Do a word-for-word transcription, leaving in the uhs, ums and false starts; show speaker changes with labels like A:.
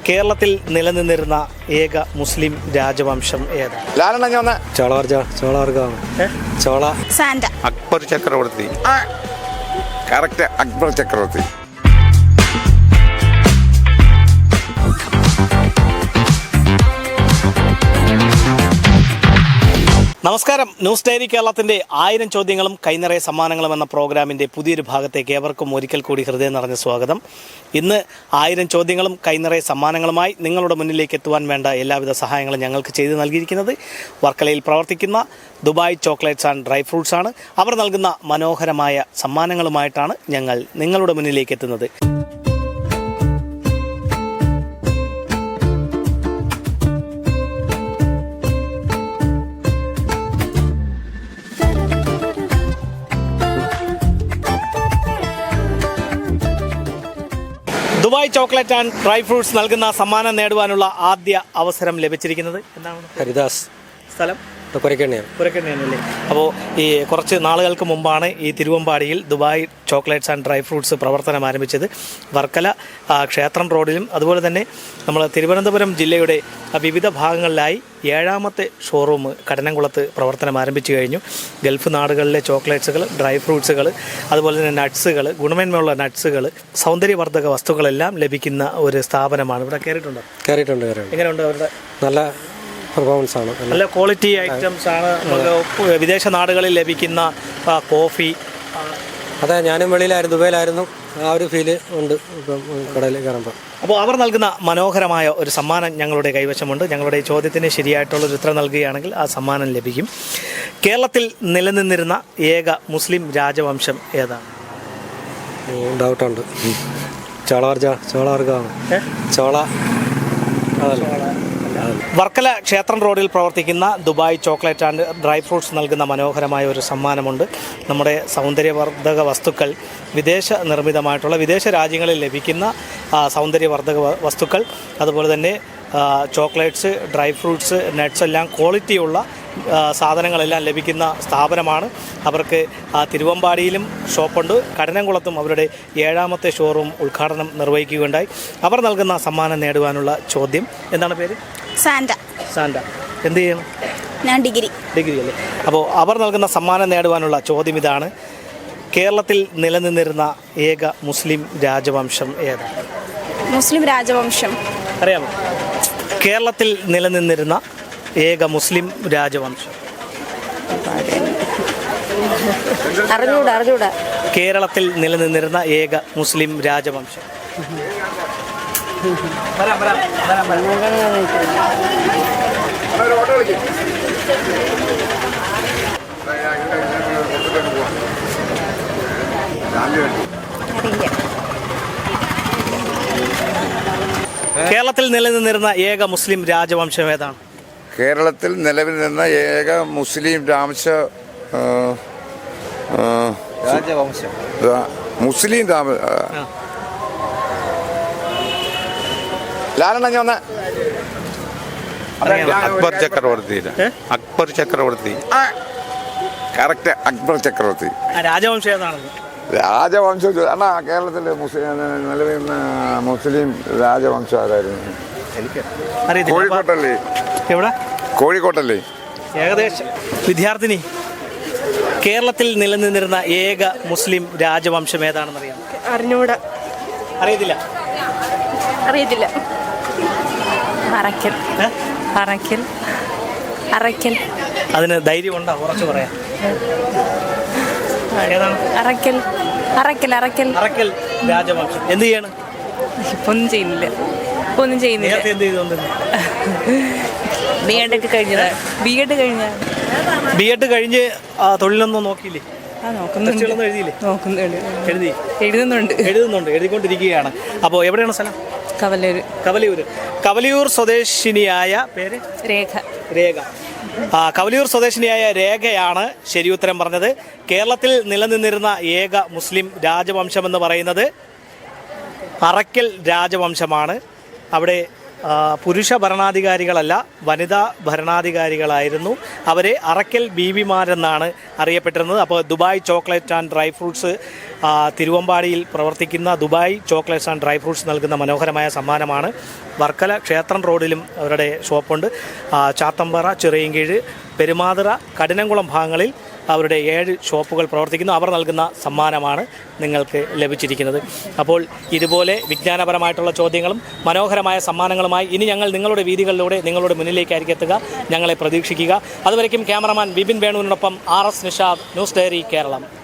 A: കേരളത്തിൽ നിലനിന്നിരുന്ന ഏക മുസ്ലിം രാജവംശം ഏത്?
B: ചോളവർജ ചോളവർഗമാണ് ചോള
C: സാന്റ
D: അക്ബർ ചക്രവർത്തി. കറക്റ്റ്, അക്ബർ ചക്രവർത്തി.
A: നമസ്കാരം. ന്യൂസ് ഡയറി കേരളത്തിന്റെ ആയിരം ചോദ്യങ്ങളും കൈനിറയ സമ്മാനങ്ങളും എന്ന പ്രോഗ്രാമിന്റെ പുതിയൊരു ഭാഗത്തേക്ക് ഏവർക്കും ഒരിക്കൽ കൂടി ഹൃദയം നിറഞ്ഞ സ്വാഗതം. ഇന്ന് ആയിരം ചോദ്യങ്ങളും കൈനിറയ സമ്മാനങ്ങളുമായി നിങ്ങളുടെ മുന്നിലേക്ക് എത്തുവാൻ വേണ്ട എല്ലാവിധ സഹായങ്ങളും ഞങ്ങൾക്ക് ചെയ്തു നൽകിയിരിക്കുന്നത് വർക്കലയിൽ പ്രവർത്തിക്കുന്ന Dubai chocolates and dry fruits ആണ്. അവർ നൽകുന്ന മനോഹരമായ സമ്മാനങ്ങളുമായിട്ടാണ് ഞങ്ങൾ നിങ്ങളുടെ മുന്നിലേക്ക് എത്തുന്നത്. Dubai chocolate and dry fruits നൽകുന്ന സമ്മാനം നേടുവാനുള്ള ആദ്യ അവസരം ലഭിച്ചിരിക്കുന്നത് എന്താണ്?
B: ഹരിദാസ്.
A: സ്ഥലം
B: പുരക്കണ്ണിയാണ്.
A: പുരക്കണ്ണിയാണല്ലേ. അപ്പോൾ ഈ കുറച്ച് നാളുകൾക്ക് മുമ്പാണ് ഈ തിരുവമ്പാടിയിൽ Dubai chocolates and dry fruits പ്രവർത്തനം ആരംഭിച്ചത്. വർക്കല ക്ഷേത്രം റോഡിലും അതുപോലെ തന്നെ നമ്മൾ തിരുവനന്തപുരം ജില്ലയുടെ വിവിധ ഭാഗങ്ങളിലായി ഏഴാമത്തെ ഷോറൂം കടനംകുളത്ത് പ്രവർത്തനം ആരംഭിച്ചു കഴിഞ്ഞു. ഗൾഫ് നാടുകളിലെ ചോക്ലേറ്റ്സുകൾ, ഡ്രൈ ഫ്രൂട്ട്സുകൾ, അതുപോലെ തന്നെ നട്ട്സുകൾ, ഗുണമേന്മയുള്ള നട്ട്സുകൾ, സൗന്ദര്യവർദ്ധക വസ്തുക്കളെല്ലാം ലഭിക്കുന്ന ഒരു സ്ഥാപനമാണ്. ഇവിടെ കയറിയിട്ടുണ്ടോ?
B: കയറിയിട്ടുണ്ട്.
A: എങ്ങനെയുണ്ട് അവരുടെ? നല്ല
B: പെർഫോമൻസ് ആണ്.
A: നല്ല ക്വാളിറ്റി ഐറ്റംസ് ആണ്. വിദേശ നാടുകളിൽ ലഭിക്കുന്ന കോഫി.
B: അതെ, ഞാനും വെളിയിലായിരുന്നു, ദുബൈയിലായിരുന്നു. ആ ഒരു ഫീല് ഉണ്ട് ഇപ്പം കടയിൽ കയറുമ്പോൾ.
A: അപ്പോൾ അവർ നൽകുന്ന മനോഹരമായ ഒരു സമ്മാനം ഞങ്ങളുടെ കൈവശമുണ്ട്. ഞങ്ങളുടെ ചോദ്യത്തിന് ശരിയായിട്ടുള്ളൊരു ഉത്തരം നൽകുകയാണെങ്കിൽ ആ സമ്മാനം ലഭിക്കും. കേരളത്തിൽ നിലനിന്നിരുന്ന ഏക മുസ്ലിം രാജവംശം ഏതാണ്?
B: ഡൗട്ടുണ്ട്. ചോളവർജ ചോളവർഗമാണ് ചോള.
A: വർക്കല ക്ഷേത്രം റോഡിൽ പ്രവർത്തിക്കുന്ന Dubai chocolate and dry fruits നൽകുന്ന മനോഹരമായ ഒരു സമ്മാനമുണ്ട്. നമ്മുടെ സൗന്ദര്യവർദ്ധക വസ്തുക്കൾ, വിദേശ നിർമ്മിതമായിട്ടുള്ള വിദേശ രാജ്യങ്ങളിൽ ലഭിക്കുന്ന സൗന്ദര്യവർദ്ധക വസ്തുക്കൾ, അതുപോലെ തന്നെ ചോക്ലേറ്റ്സ്, ഡ്രൈ ഫ്രൂട്ട്സ്, നട്ട്സ് എല്ലാം ക്വാളിറ്റിയുള്ള സാധനങ്ങളെല്ലാം ലഭിക്കുന്ന സ്ഥാപനമാണ്. അവർക്ക് തിരുവമ്പാടിയിലും ഷോപ്പുണ്ട്, കടനംകുളത്തും അവരുടെ ഏഴാമത്തെ ഷോറൂം ഉദ്ഘാടനം നിർവഹിക്കുകയുണ്ടായി. അവർ നൽകുന്ന സമ്മാനം നേടുവാനുള്ള ചോദ്യം എന്താണ്? പേര്?
C: സാന്റ.
A: സാന്റ. എന്ത് ചെയ്യണം?
C: ഞാൻ ഡിഗ്രി.
A: ഡിഗ്രി അല്ലേ. അപ്പോൾ അവർ നൽകുന്ന സമ്മാനം നേടുവാനുള്ള ചോദ്യം ഇതാണ്: കേരളത്തിൽ നിലനിന്നിരുന്ന ഏക മുസ്ലിം രാജവംശം ഏതാണ്?
C: മുസ്ലിം രാജവംശം
A: അറിയാമോ? കേരളത്തിൽ നിലനിന്നിരുന്ന ഏക മുസ്ലിം രാജവംശം.
C: അറിഞ്ഞൂടാ അറിഞ്ഞൂടാ
A: കേരളത്തിൽ നിലനിന്നിരുന്ന ഏക മുസ്ലിം രാജവംശം. കേരളത്തിൽ നിലനിന്നിരുന്ന ഏക മുസ്ലിം രാജവംശം ഏതാണ്?
D: കേരളത്തിൽ നിലവിൽ നിന്ന ഏക മുസ്ലിം രാംശ
B: രാജവംശം
D: മുസ്ലിം രാമ ലാലണ്ണ വന്ന അക്ബർ ചക്രവർത്തി. അക്ബർ ചക്രവർത്തി. കറക്റ്റ്, അക്ബർ ചക്രവർത്തി.
A: രാജവംശം ഏതാണെന്ന്?
D: രാജവംശം അണ്ണാ, കേരളത്തിലെ മുസ്ലിം നിലവിൽ മുസ്ലിം രാജവംശം ആരായിരുന്നു? കോഴിക്കോട്ടല്ലേ?
A: എവിടെ?
D: കോഴിക്കോട്ടല്ലേ?
A: ഏകദേശം. വിദ്യാർത്ഥിനി, കേരളത്തിൽ നിലനിന്നിരുന്ന ഏക മുസ്ലിം രാജവംശം ഏതാണെന്ന് അറിയാം?
C: അറിഞ്ഞൂടാ.
A: അറിയത്തില്ല?
C: അറിയത്തില്ല. അറക്കൽ. അറക്കൽ. അറക്കൽ.
A: അതിന് ധൈര്യമുണ്ടോ? കുറച്ച് പറയാം. ഏതാണ്?
C: അറക്കൽ. അറക്കൽ. അറക്കൽ.
A: അറക്കൽ രാജവംശം. എന്ത് ചെയ്യാണ്?
C: ഇപ്പൊ ഒന്നും ചെയ്യുന്നില്ല. ഇപ്പൊ ഒന്നും ചെയ്യുന്നില്ല.
A: എന്ത് ചെയ്തോണ്ട്?
C: ബി എഡ് ഒക്കെ കഴിഞ്ഞതാ. ബി എഡ് കഴിഞ്ഞ
A: ബി എഡ് കഴിഞ്ഞ് തൊഴിലൊന്നും നോക്കിയില്ലേ? എഴുതിയില്ലേ? എഴുതി
C: എഴുതുന്നുണ്ട്
A: എഴുതുന്നുണ്ട് എഴുതിക്കൊണ്ടിരിക്കുകയാണ്. അപ്പോൾ എവിടെയാണ് സ്ഥലം?
C: കവലൂർ.
A: കവലിയൂർ. കവലിയൂർ സ്വദേശിനിയായ പേര്?
C: രേഖ.
A: രേഖ. ആ കവലിയൂർ സ്വദേശിനിയായ രേഖയാണ് ശരിയുത്തരം പറഞ്ഞത്. കേരളത്തിൽ നിലനിന്നിരുന്ന ഏക മുസ്ലിം രാജവംശമെന്ന് പറയുന്നത് അറക്കൽ രാജവംശമാണ്. അവിടെ ആ, പുരുഷ ഭരണാധികാരികളല്ല, വനിതാ ഭരണാധികാരികളായിരുന്നു. അവരെ അറക്കൽ ബീവിമാരെന്നാണ് അറിയപ്പെട്ടിരുന്നത്. അപ്പോൾ Dubai chocolate and dry fruits ആ, തിരുവമ്പാടിയിൽ പ്രവർത്തിക്കുന്ന Dubai chocolates and dry fruits നൽകുന്ന മനോഹരമായ സമ്മാനമാണ്. വർക്കല ക്ഷേത്രം റോഡിലും അവരുടെ ഷോപ്പുണ്ട്. ആ, ചാത്തമ്പാറ, ചിറയൻകീഴ്, പെരുമാതുറ, കഠിനംകുളം ഭാഗങ്ങളിൽ അവരുടെ ഏഴ് ഷോപ്പുകൾ പ്രവർത്തിക്കുന്നു. അവർ നൽകുന്ന സമ്മാനമാണ് നിങ്ങൾക്ക് ലഭിച്ചിരിക്കുന്നത്. അപ്പോൾ ഇതുപോലെ വിജ്ഞാനപരമായിട്ടുള്ള ചോദ്യങ്ങളും മനോഹരമായ സമ്മാനങ്ങളുമായി ഇനി ഞങ്ങൾ നിങ്ങളുടെ വീതികളിലൂടെ നിങ്ങളുടെ മുന്നിലേക്കായിരിക്കും എത്തുക. ഞങ്ങളെ പ്രതീക്ഷിക്കുക. അതുവരയ്ക്കും ക്യാമറമാൻ വിപിൻ വേണുവിനോടൊപ്പം R S Nishad, news diary Keralam.